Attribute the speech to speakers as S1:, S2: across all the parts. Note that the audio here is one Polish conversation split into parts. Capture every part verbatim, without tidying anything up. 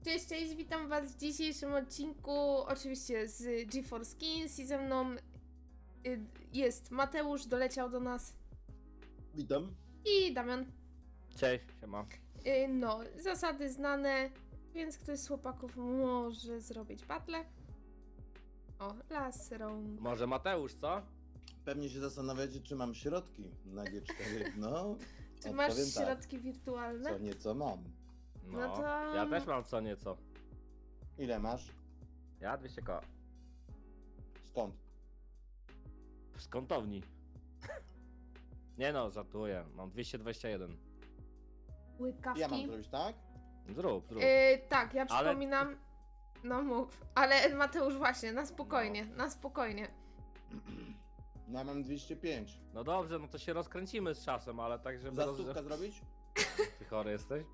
S1: Cześć, cześć, witam was w dzisiejszym odcinku, oczywiście z GeForce Skins i ze mną y, jest Mateusz, doleciał do nas,
S2: Witam.
S1: i Damian.
S3: Cześć, siema.
S1: Y, no, zasady znane, więc ktoś z chłopaków może zrobić battle. O, last round.
S3: Może Mateusz, co?
S2: Pewnie się zastanawiacie, czy mam środki na G cztery. No,
S1: Czy masz
S2: odpowiem tak.
S1: środki wirtualne?
S2: Co nieco mam.
S3: No,
S1: No to-
S3: ja też mam co nieco.
S2: Ile masz?
S3: Ja dwieście koła.
S2: Skąd?
S3: Z kątowni. Nie no, żartuję. Mam dwieście dwadzieścia jeden.
S1: Łykawki?
S2: Ja mam zrobić tak?
S3: Zrób, zrób.
S1: Y, tak, ja
S3: Ale-
S1: przypominam, no mów, ale Mateusz właśnie, na spokojnie, na spokojnie.
S2: No ja mam dwieście pięć.
S3: No dobrze, no to się rozkręcimy z czasem, ale tak, żeby...
S2: Za
S3: roz-
S2: stówkę zrobić?
S3: Ty chory jesteś?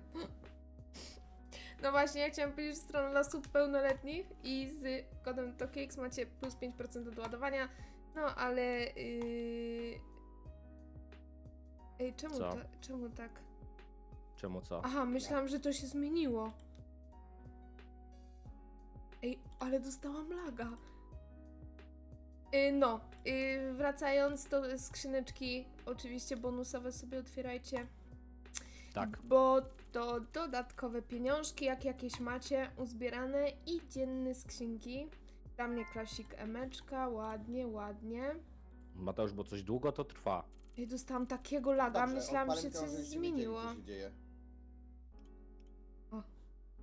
S1: No właśnie, ja chciałam powiedzieć, że stronę dla osób pełnoletnich i z kodem TOKIX macie plus pięć procent od ładowania, no ale... Yy... Ej, czemu,
S3: Co?
S1: ta, czemu tak?
S3: Czemu co?
S1: Aha, myślałam, że to się zmieniło. Ej, ale dostałam laga. Yy, no, yy, wracając do skrzyneczki, oczywiście bonusowe sobie otwierajcie.
S3: Tak.
S1: Bo to dodatkowe pieniążki, jak jakieś macie, uzbierane i dzienne skrzynki. Dla mnie klasik emeczka, ładnie, ładnie.
S3: Mateusz, bo coś długo to trwa.
S1: I dostałam takiego laga,
S2: Dobrze,
S1: myślałam,
S2: odpalę
S1: że
S2: to,
S1: coś
S2: żebyście
S1: zmieniło.
S2: wiedzieli, co się dzieje.
S1: O.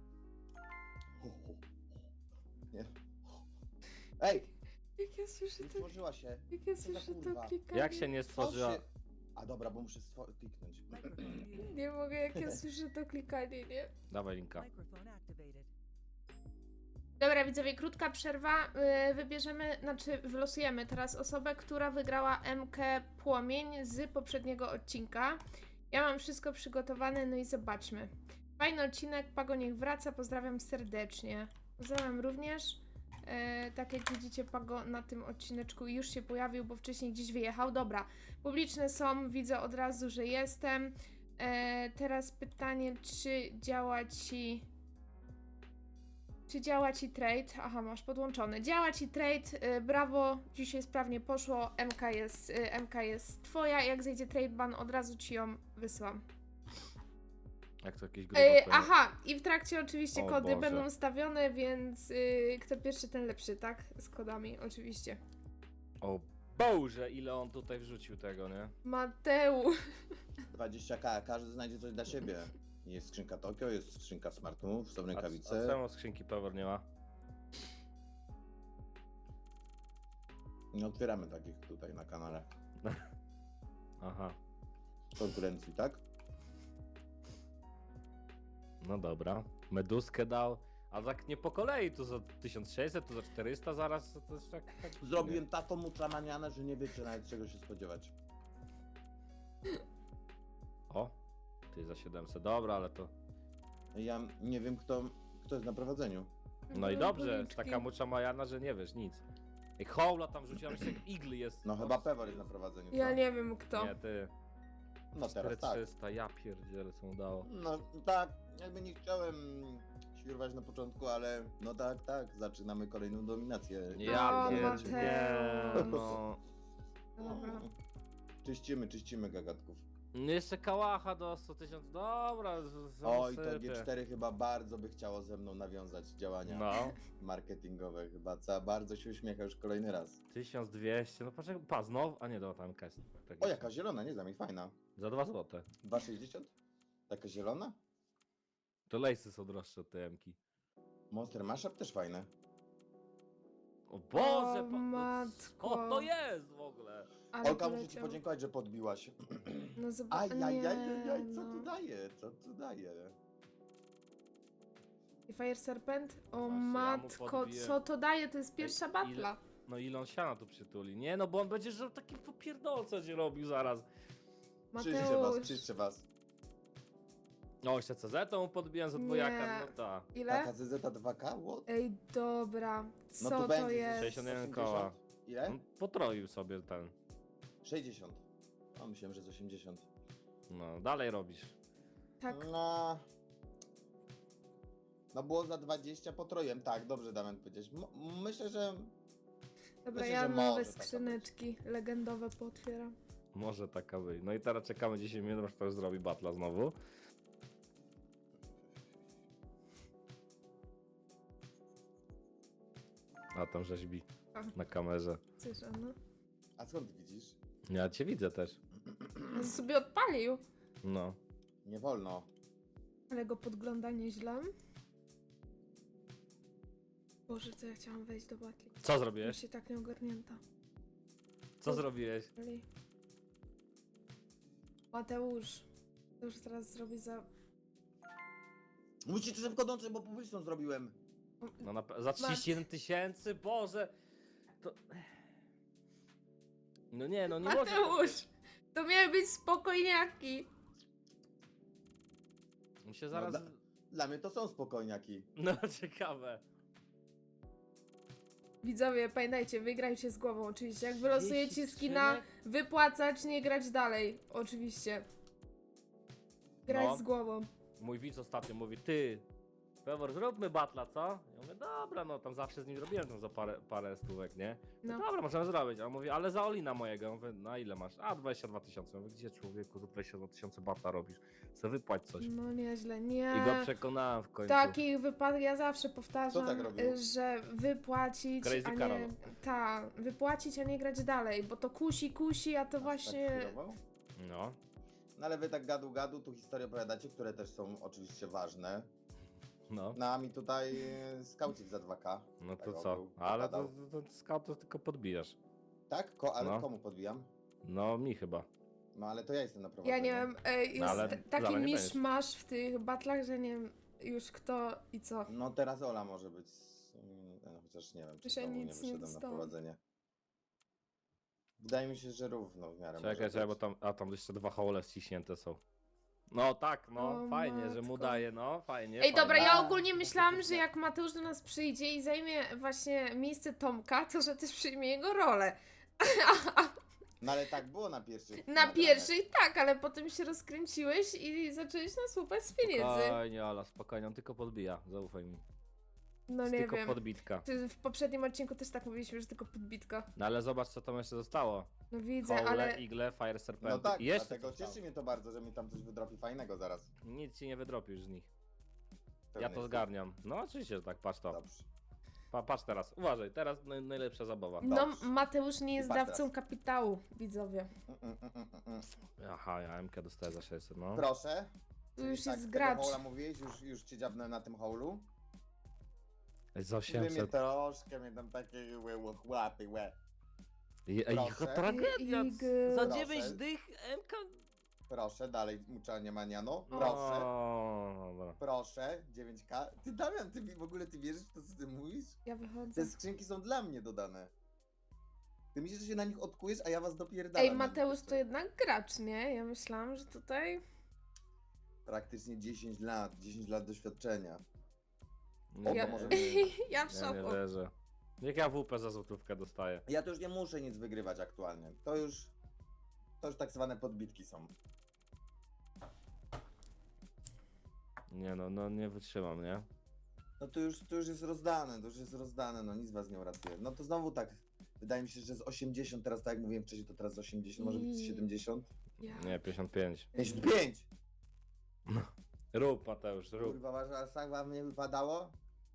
S2: Nie. Ej!
S1: Jak ja słyszę
S2: Nie
S1: to,
S2: stworzyła się.
S1: jak ja
S2: za
S1: słyszę to
S2: kurwa?
S1: klikanie.
S3: Jak się nie stworzyła...
S2: Stworzy- A dobra, bo muszę stwo- kliknąć.
S1: Nie mogę, jak ja słyszę to klikanie, nie?
S3: Dawaj linka.
S4: Microphone activated.
S1: Dobra, widzowie, krótka przerwa. Yy, wybierzemy, znaczy wylosujemy teraz osobę, która wygrała M K Płomień z poprzedniego odcinka. Ja mam wszystko przygotowane, no i zobaczmy. Fajny odcinek, Pago niech wraca, pozdrawiam serdecznie. Pozdrawiam również. Yy, tak jak widzicie, Pago na tym odcineczku już się pojawił, bo wcześniej gdzieś wyjechał. Dobra, publiczne są, widzę od razu, że jestem. Yy, teraz pytanie, czy działa ci... Czy działa ci trade? Aha, masz podłączony. Działa ci trade, y, brawo, dzisiaj sprawnie poszło, M K jest, y, M K jest twoja, jak zejdzie trade ban, od razu ci ją wysyłam.
S3: Jak to jakieś
S1: Y,
S3: grubo
S1: aha, i w trakcie oczywiście
S3: O
S1: kody
S3: Boże.
S1: będą stawione, więc y, kto pierwszy, ten lepszy, tak? Z kodami, oczywiście.
S3: O Boże, ile on tutaj wrzucił tego, nie?
S1: Mateusz.
S2: dwadzieścia k, każdy znajdzie coś dla siebie. Jest skrzynka Tokio, jest skrzynka Smart Move, są
S3: A, a
S2: rękawice.
S3: czemu skrzynki Power nie ma?
S2: Nie otwieramy takich tutaj na kanale.
S3: Aha,
S2: Konkurencji, tak?
S3: no dobra. Meduskę dał. A tak nie po kolei, tu za tysiąc sześćset, tu za czterysta zaraz, to jest tak... tak
S2: Zrobiłem taką muczamanianę, że nie wiecie nawet czego się spodziewać.
S3: O, ty za siedemset, dobra, ale to...
S2: Ja nie wiem kto, kto jest na prowadzeniu.
S3: No i
S1: No,
S3: dobrze,
S1: policzki.
S3: taka mucza majana, że nie wiesz nic. Ej, Hołla tam rzuciłam, jeszcze jak Igly jest.
S2: No chyba Pewor jest na prowadzeniu.
S1: Ja
S2: co?
S1: nie wiem kto.
S3: Nie, ty.
S2: No teraz tak.
S3: cztery trzysta, ja pierdzielę, co mu dało.
S2: No tak, jakby nie chciałem świrować na początku, ale no tak, tak, zaczynamy kolejną dominację.
S3: Ja
S1: O,
S3: pierdzielę,
S1: Mateusz.
S3: no.
S1: Dobra.
S2: Czyścimy, czyścimy gagatków.
S3: No jeszcze kałacha do sto tysięcy, dobra, z-
S2: Oj, to
S3: zasypię.
S2: G cztery chyba bardzo by chciało ze mną nawiązać działania
S3: No,
S2: marketingowe. Chyba co, bardzo się uśmiecha już kolejny raz.
S3: tysiąc dwieście, no patrz, pa, znowu, a nie, dobra, tam jakaś.
S2: O, jaka zielona, nie znam jej, fajna.
S3: Za dwa złote.
S2: dwa sześćdziesiąt? Taka zielona?
S3: To lejsy są droższe od tej emki.
S2: Monster Mashup też fajne.
S3: O Boże,
S1: O,
S3: pa, no,
S1: matko.
S3: co to jest w ogóle?
S1: Ale
S2: Olka, muszę ci
S1: poleciał.
S2: podziękować, że podbiłaś.
S1: No zobacz,
S2: Aj, aj,
S1: nie,
S2: aj, aj, aj, co
S1: no.
S2: tu daje? Co tu daje?
S1: I Fire Serpent? O
S3: Właśnie, ja mu
S1: matko,
S3: podbiję.
S1: co to daje? To jest pierwsza
S3: ile-
S1: batla.
S3: No ile on siana tu przytuli? Nie, no bo on będzie, że taki popierdolce ci robił zaraz.
S2: Czyszczę was,
S1: Mateusz,
S2: czyszczę was.
S3: No, jeszcze C Z mu podbiłem za dwojaka,
S1: Nie.
S3: no ta.
S1: ile?
S2: Taka Z Z dwa K? What?
S1: Ej, dobra, co
S2: No to
S1: to,
S2: będzie
S1: jest?
S3: sześćdziesiąt jeden
S2: osiemdziesiąt?
S3: koła.
S2: Ile?
S3: On potroił sobie ten.
S2: sześćdziesiąt. O, myślałem, że z osiemdziesiąt.
S3: No, dalej robisz.
S1: Tak,
S2: No, No było za dwadzieścia potrojem, tak, dobrze Damian powiedziałeś. M- myślę, że
S1: Dobra,
S2: Myślę,
S1: ja
S2: że
S1: nowe
S2: może taka
S1: skrzyneczki legendowe pootwieram.
S3: Może taka być. No i teraz czekamy dziesięć minut, aż ktoś zrobi batla znowu. A tam rzeźbi
S1: A.
S3: na kamerze.
S1: Coś, no.
S2: A skąd ty widzisz?
S3: Ja cię widzę też.
S1: On sobie odpalił.
S3: No.
S2: Nie wolno.
S1: Ale go podgląda nieźle. Boże, co ja chciałam wejść do batli.
S3: Co
S1: Już
S3: zrobiłeś?
S1: się tak nieogarnięta.
S3: Co zrobiłeś?
S1: Ali. Mateusz. To już teraz zrobi za...
S2: Musicie szybko dążyć, bo publiczną zrobiłem.
S3: No na, pe- za trzydzieści jeden tysięcy? Boże! To... No nie, no nie może...
S1: Mateusz! To miały być spokojniaki.
S3: Mi się zaraz...
S2: No, dla, dla mnie to są spokojniaki.
S3: No ciekawe.
S1: Widzowie, pamiętajcie, wygrajcie z głową oczywiście. Jak wylosujecie
S3: trzydzieści
S1: skina,
S3: skrzynek?
S1: wypłacać, nie grać dalej. Oczywiście. Grać
S3: No.
S1: z głową.
S3: Mój widz ostatnio mówi, ty, Pewor, zróbmy batla, co? Ja mówię, dobra, no tam zawsze z nim robiłem tam za parę, parę stówek, nie? No.
S1: No.
S3: Dobra, możemy zrobić. A on mówi, ale za Olina mojego. Ja mówię, na ile masz? A, dwadzieścia dwa tysiące. Ja mówię, gdzie człowieku za dwadzieścia dwa tysiące batla robisz? Chcę wypłać coś.
S1: No nieźle,
S3: I
S1: nie.
S3: go przekonałem w końcu.
S1: W takich wypadkach ja zawsze powtarzam,
S2: Kto tak robił?
S1: y, że wypłacić,
S3: Crazy
S1: a nie...
S3: Karol.
S1: Ta, wypłacić, a nie grać dalej, bo to kusi, kusi, a to
S2: Aż
S1: właśnie...
S2: Tak chwilowo?
S3: No,
S2: No ale wy tak gadu gadu tu historie opowiadacie, które też są oczywiście ważne.
S3: no.
S2: No a mi tutaj e, skaucik za dwa K.
S3: No
S2: tak
S3: to
S2: o,
S3: co?
S2: był,
S3: Ale to,
S2: opowiadał.
S3: to, to scout to tylko podbijasz.
S2: Tak? Ko ale
S3: No.
S2: komu podbijam?
S3: No, mi chyba.
S2: No ale to ja jestem na prowadzeniu.
S1: Ja nie wiem, y, jest
S3: No, ale
S1: t-
S3: zaraz
S1: taki
S3: nie
S1: miszmasz w tych batlach, że nie wiem już kto i co.
S2: No teraz Ola może być. mm, No, chociaż nie wiem, czy
S1: Jeszcze
S2: znowu nie
S1: nic nie
S2: wyszedłem na
S1: dostałam.
S2: prowadzenie. Wydaje mi się, że równo w miarę
S3: Czekaj,
S2: może
S3: czekaj, bo
S2: być.
S3: tam, a tam jeszcze dwa hole ściśnięte są. No tak, no,
S1: O,
S3: fajnie, że mu
S1: matko.
S3: daje, no, fajnie.
S1: Ej,
S3: fajnie.
S1: dobra, ja
S2: A,
S1: ogólnie
S2: to
S1: myślałam, że
S2: faktycznie.
S1: jak Mateusz do nas przyjdzie i zajmie właśnie miejsce Tomka, to że też przyjmie jego rolę.
S2: No ale tak było na pierwszych.
S1: Na
S2: nagraniach.
S1: pierwszej tak, ale potem się rozkręciłeś i zacząłeś nas łupać z pieniędzy.
S3: Spokojnie, Ala, spokojnie, on tylko podbija, zaufaj mi.
S1: No
S3: Jest
S1: nie
S3: tylko
S1: wiem.
S3: podbitka.
S1: Ty w poprzednim odcinku też tak mówiliśmy, że tylko podbitka.
S3: No ale zobacz, co tam jeszcze zostało.
S1: No widzę,
S3: Hole,
S1: ale...
S3: Igle, Fire Serpenty.
S2: No tak,
S3: I jeszcze
S2: dlatego
S3: coś tam.
S2: cieszy mnie to bardzo, że mi tam coś wydropi fajnego zaraz.
S3: Nic ci nie wydropisz z nich.
S2: Pewny
S3: Ja to
S2: jestem.
S3: zgarniam. No oczywiście, że tak, patrz to.
S2: Dobrze.
S3: Pa, patrz teraz, uważaj, teraz naj, najlepsza zabawa.
S1: No,
S2: Dobrze.
S1: Mateusz nie
S2: I
S1: jest
S2: patrz
S1: dawcą
S2: teraz.
S1: kapitału, widzowie.
S2: Mm, mm, mm, mm, mm.
S3: Aha, ja M K dostaję za sześćset, no.
S2: Proszę.
S1: Tu już
S2: tak,
S1: jest
S2: tego
S1: gracz.
S2: hola mówiłeś, już, już cię dziabnę na tym holu.
S3: Za
S2: Wy mnie
S3: osiemset.
S2: troszkę mnie tam takie łe, łe, łapy, łe.
S3: Ej, ej,
S2: Proszę.
S3: jaka tragedia.
S1: Igl.
S3: Za
S2: Proszę.
S3: dziewięć dych M K...
S2: Proszę, dalej muczanie maniano.
S1: O.
S2: Proszę.
S3: O, dobra.
S2: Proszę, dziewięć K. Ty Damian, ty w ogóle ty wierzysz w to, co ty mówisz?
S1: Ja wychodzę.
S2: Te skrzynki są dla mnie dodane. Ty myślisz, że się na nich odkujesz, a ja was dopierdalam.
S1: Ej,
S2: na nich
S1: Mateusz
S2: jeszcze.
S1: to jednak gracz, nie? Ja myślałam, że tutaj...
S2: Praktycznie dziesięć lat, dziesięć lat doświadczenia.
S3: Nie,
S2: O,
S1: Ja,
S2: to może nie-
S1: ja w
S3: ja nie
S1: szoku.
S3: wierzę. Jak ja W P za złotówkę dostaję.
S2: Ja to już nie muszę nic wygrywać aktualnie. To już... To już tak zwane podbitki są.
S3: Nie no, no nie wytrzymam, nie?
S2: No to już, to już jest rozdane, to już jest rozdane, no nic was nie uratuje. No to znowu tak, wydaje mi się, że z osiemdziesiąt teraz, tak jak mówiłem wcześniej, to teraz z osiemdziesiąt, może być z
S1: I-
S2: siedemdziesiąt?
S1: Ja.
S3: Nie, pięćdziesiąt pięć.
S2: pięćdziesiąt pięć!
S3: Rób, Mateusz, rób.
S2: Kurwa, wasz aż tak wam nie wypadało?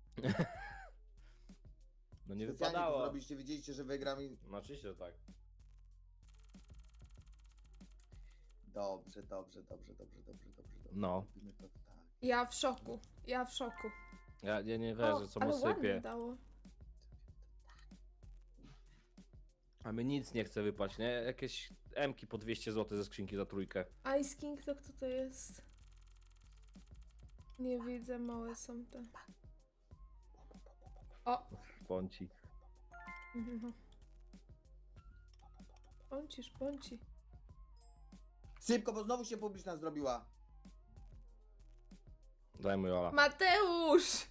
S3: No nie
S2: Specjalnie to
S3: wypadało.
S2: zrobiliście, widzieliście, że wygram i...
S3: No oczywiście, że tak.
S2: Dobrze, dobrze, dobrze, dobrze, dobrze, dobrze, dobrze.
S3: No.
S2: Robimy to tak.
S1: Ja w szoku. Ja w szoku.
S3: Ja, ja nie
S1: O,
S3: wierzę, co mu
S1: ale ładnie
S3: sypie.
S1: dało.
S3: A my nic nie chce wypaść, nie? Jakieś M-ki po dwieście złotych ze skrzynki za trójkę.
S1: Ice King to kto to jest? Nie widzę, małe są te. O!
S3: Pąci.
S1: No. Pąci, szpąci.
S2: Szybko, bo znowu się publiczna zrobiła.
S3: Daj mu Jola.
S1: Mateusz!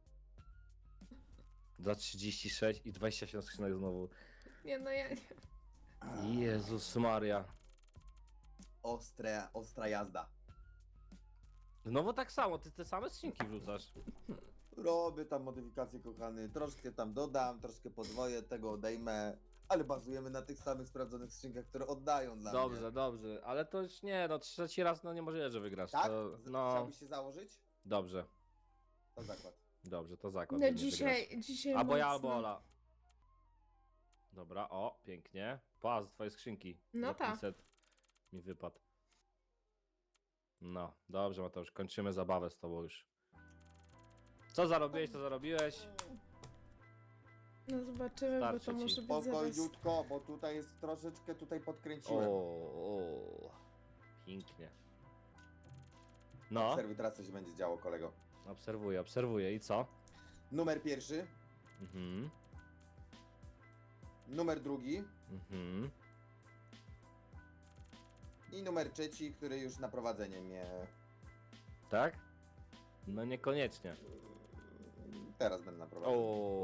S3: Za trzydzieści sześć i dwadzieścia siedem skrzynek znowu.
S1: Nie no, ja nie.
S3: Jezus Maria.
S2: Ostra, ostra jazda.
S3: Znowu tak samo, ty te same skrzynki wrzucasz.
S2: Robię tam modyfikacje, kochany, troszkę tam dodam, troszkę podwoję, tego odejmę, ale bazujemy na tych samych sprawdzonych skrzynkach, które oddają dla
S3: Dobrze,
S2: mnie.
S3: dobrze, ale to już nie, no trzeci raz no nie możliwe, że wygrasz.
S2: Tak?
S3: To,
S2: Z-
S3: no,
S2: Chciałbyś się założyć?
S3: dobrze,
S2: To zakład.
S3: dobrze, to zakład,
S1: No
S3: że nie wygrasz.
S1: dzisiaj, dzisiaj
S3: Albo ja,
S1: mocno.
S3: albo Ola. Dobra, o, pięknie. Płaz, twoje skrzynki.
S1: No
S3: Za
S1: tak.
S3: pięćset mi wypadł. No, dobrze Mateusz, kończymy zabawę z tobą już. Co zarobiłeś, co zarobiłeś?
S1: No zobaczymy,
S3: Starczy
S1: bo to
S3: ci.
S1: może być zaraz...
S2: Spokojniutko, bo tutaj jest troszeczkę, tutaj
S3: O,
S2: podkręciłem.
S3: o, pięknie. No,
S2: Obserwuj, teraz co się będzie działo, kolego.
S3: obserwuję, obserwuję i co?
S2: Numer pierwszy,
S3: Mhm,
S2: numer drugi
S3: mhm.
S2: i numer trzeci, który już na prowadzenie mnie...
S3: Tak? No niekoniecznie.
S2: Teraz będę na
S3: O,
S2: prowadzeniu.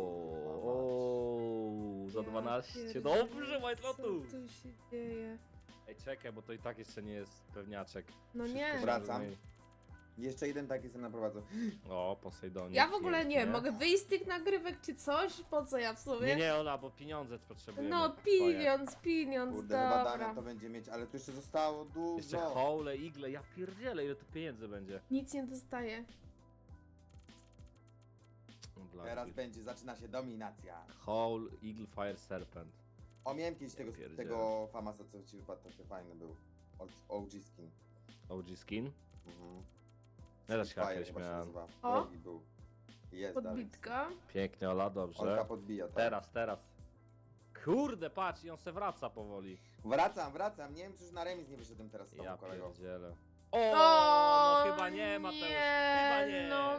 S3: o, za
S1: Ja
S3: dwanaście.
S1: pierdzielę,
S3: Dobrze, White Lotus.
S1: Co tu się dzieje?
S3: Ej, czekaj, bo to i tak jeszcze nie jest pewniaczek.
S1: No
S3: Wszystko
S1: nie.
S3: się
S2: Wracam.
S3: rozumie.
S2: Jeszcze jeden tak jestem na prowadzeniu.
S3: O, Posejdonie.
S1: Ja w ogóle nie,
S3: pięknie.
S1: mogę wyjść z tych nagrywek czy coś? Po co ja w sumie?
S3: Nie, nie, Ola, bo pieniądze potrzebujemy.
S1: No
S3: twoje.
S1: pieniądz, pieniądz,
S2: Kurde, chyba
S1: dobra.
S2: Damian to będzie mieć, ale tu jeszcze zostało dużo.
S3: Jeszcze hole, igle, ja pierdzielę, ile tu pieniędzy będzie.
S1: Nic nie dostaję.
S3: Dla
S2: Teraz
S3: nich.
S2: będzie, zaczyna się dominacja.
S3: Hole, Eagle, Fire, Serpent.
S2: O, miałem kiedyś
S3: Ja
S2: tego,
S3: pierdzielę.
S2: tego Famasa, co ci wypadł, taki fajny był. O G skin.
S3: O G skin.
S2: Mhm.
S3: Ja też chyba
S2: Fire
S3: kiedyś
S2: chyba się
S3: miałem.
S2: nazywa.
S1: O!
S2: Drogi był. Jest dalej.
S1: Podbitka.
S3: Pięknie, Ola, dobrze.
S2: Olka podbija, tak.
S3: Teraz, teraz. Kurde, patrz, i on se wraca powoli.
S2: Wracam, wracam. Nie wiem, czy już na remis nie wyszedłem teraz z tobą,
S3: Ja
S2: kolego.
S3: pierdzielę. O,
S1: O,
S3: no chyba nie, Mateusz,
S1: nie,
S3: chyba nie.
S1: no.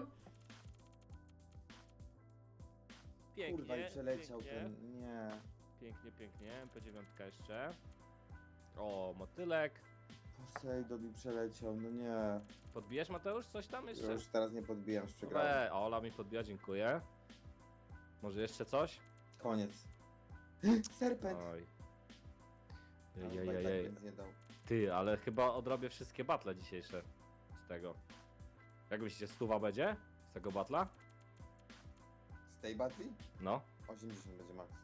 S3: Pięknie,
S2: Kurwa, i przeleciał
S3: pięknie.
S2: ten. Nie.
S3: Pięknie, pięknie. M P dziewięć jeszcze. O, motylek.
S2: Poseidon mi przeleciał, no nie.
S3: Podbijesz, Mateusz, coś tam jeszcze?
S2: Już teraz nie podbijam, już przegrałem.
S3: Ej, Ola mi podbija, dziękuję. Może jeszcze coś?
S2: Koniec. Serpent!
S3: Oj.
S2: Ale chyba i tak
S3: Jejejej.
S2: nic nie dał.
S3: Ty, ale chyba odrobię wszystkie battle dzisiejsze z tego. Jak myślicie, stuwa będzie z tego battla?
S2: Z tej battle?
S3: No.
S2: osiemdziesiąt będzie max.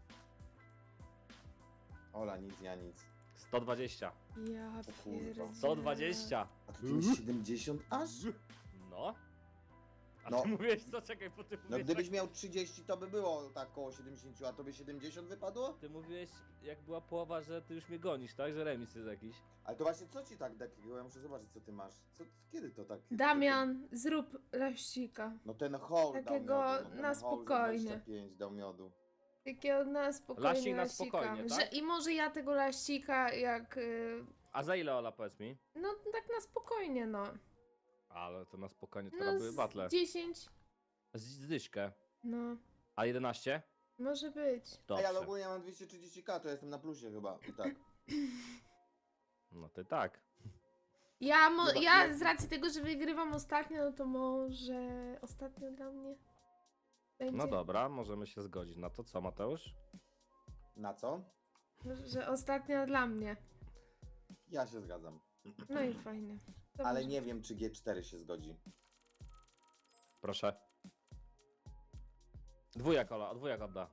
S2: Ola, nic, ja nic.
S3: sto dwadzieścia.
S1: Ja
S2: O kurwa.
S1: pierdzielę.
S3: sto dwadzieścia.
S2: A tu masz siedemdziesiąt aż?
S3: No. A
S2: No.
S3: ty mówiłeś co? Czekaj, po tym
S2: No
S3: mówiłeś,
S2: gdybyś
S3: tak-
S2: miał trzydzieści, to by było tak koło siedemdziesiąt, a tobie siedemdziesiąt wypadło?
S3: Ty mówiłeś, jak była połowa, że ty już mnie gonisz, tak? Że remis jest jakiś.
S2: Ale to właśnie co ci tak takiego? Ja muszę zobaczyć, co ty masz. Co, kiedy to tak?
S1: Damian, zrób laścika.
S2: No ten hole
S1: Takiego
S2: dał miodu, no ten
S1: na
S2: hole za
S1: spokojnie.
S2: dwadzieścia pięć dał miodu.
S1: Takiego na spokojnie
S3: Laścik na
S1: laścika.
S3: spokojnie,
S1: Że,
S3: tak?
S1: I może ja tego laścika jak... y,
S3: A za ile, Ola, powiedz mi?
S1: No tak na spokojnie, no.
S3: Ale to na spokojnie,
S1: No
S3: teraz były battle.
S1: z dziesięć.
S3: Z z dyszkę.
S1: No,
S3: A jedenaście?
S1: może być.
S2: Ej,
S3: Dobrze.
S2: ale ogólnie ja mam dwieście trzydzieści ka, to jestem na plusie chyba. I tak.
S3: No ty tak.
S1: Ja, mo-
S2: Chyba-
S1: ja
S2: nie-
S1: z racji tego, że wygrywam ostatnio, no to może ostatnio dla mnie będzie.
S3: No dobra, możemy się zgodzić. Na to co, Mateusz?
S2: Na co?
S1: Że ostatnio dla mnie.
S2: Ja się zgadzam.
S1: No i fajnie. To
S2: Ale
S1: może-
S2: nie wiem, czy G cztery się zgodzi.
S3: Proszę. Dwójak, Ola, dwójak odda.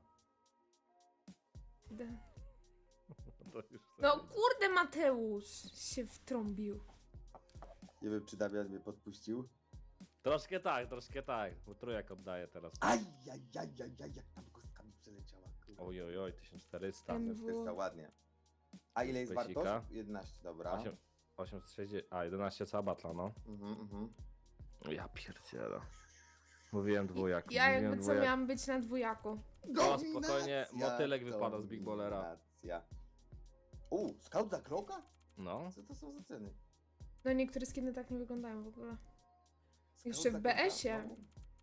S1: Da.
S3: To już
S1: No
S3: sobie-
S1: kurde, Mateusz się wtrąbił.
S2: Nie wiem, czy Damian mnie podpuścił.
S3: Troszkę tak, troszkę tak. Bo trójak oddaje teraz.
S2: Aj, aj, aj, aj, aj, jak tam kostka mi przeleciała. kurwa.
S3: Oj, oj, oj, tysiąc czterysta.
S1: Em.
S2: czterysta, ładnie. A ile jest
S3: Pesika.
S2: wartość? jedenaście, dobra.
S3: osiem, osiemset sześćdziesiąt, a jedenaście cała batla, no.
S2: Mhm, mhm.
S3: Ja pierdzielę. Mówiłem dwójak.
S1: Ja
S3: mówiłem
S1: jakby co
S3: dwójak.
S1: miałam być na dwójaku.
S3: O, spokojnie, motylek wypada z Big Ballera.
S2: Dominacja. U, scout za kroka?
S3: No.
S2: Co to są za ceny?
S1: No niektóre skiny tak nie wyglądają w ogóle.
S2: Scout
S1: Jeszcze w
S2: za
S1: B
S2: kroka?
S1: S ie.
S2: No.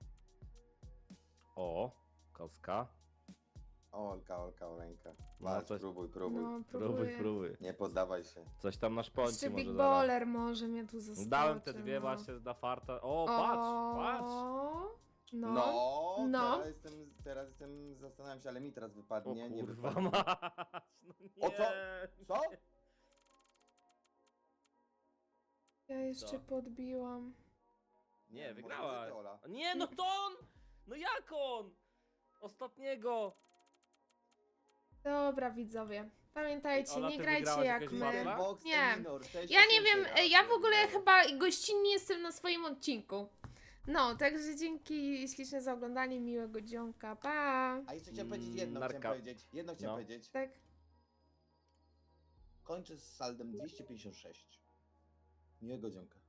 S3: O, kostka.
S2: O, Olka, Olka, Oleńka.
S3: No,
S2: Walcz,
S3: coś-
S2: próbuj, próbuj.
S1: No,
S3: Próbuj,
S1: próbuję.
S3: próbuj.
S2: Nie poddawaj się.
S3: Coś tam na szponcie
S1: Jeszcze
S3: może
S1: Big
S3: zaraz.
S1: Baller może mnie tu zostawić.
S3: Dałem te dwie właśnie na farta. O, patrz, patrz.
S1: No.
S2: No,
S1: no.
S2: Teraz, jestem, teraz jestem, zastanawiam się, ale mi teraz
S3: O
S2: wypadnie, nie
S3: kurwa
S2: wypadnie.
S3: mać. No nie.
S2: O, co? Co?
S1: Ja jeszcze
S3: Co?
S1: podbiłam.
S3: Nie,
S2: może
S3: wygrałaś.
S2: ty, Ola.
S3: Nie, no to on! No jak on? Ostatniego.
S1: Dobra, widzowie. Pamiętajcie,
S3: Ola,
S1: nie
S3: ty
S1: grajcie
S3: wygrałaś
S1: jak
S3: jakiegoś
S1: my.
S3: batla?
S2: Box
S1: Nie.
S2: Eminor, sześć
S1: Ja nie
S2: tysięcy
S1: wiem,
S2: raz
S1: ja w ogóle
S2: pierdolę.
S1: chyba gościnnie jestem na swoim odcinku. No, także dzięki śliczne za oglądanie, miłego dzionka, pa!
S2: A jeszcze chciałem powiedzieć jedno,
S3: Narka.
S2: chciałem powiedzieć. Jedno chciałem
S3: No.
S2: powiedzieć.
S1: Tak.
S2: Kończę z saldem dwieście pięćdziesiąt sześć. Miłego dzionka.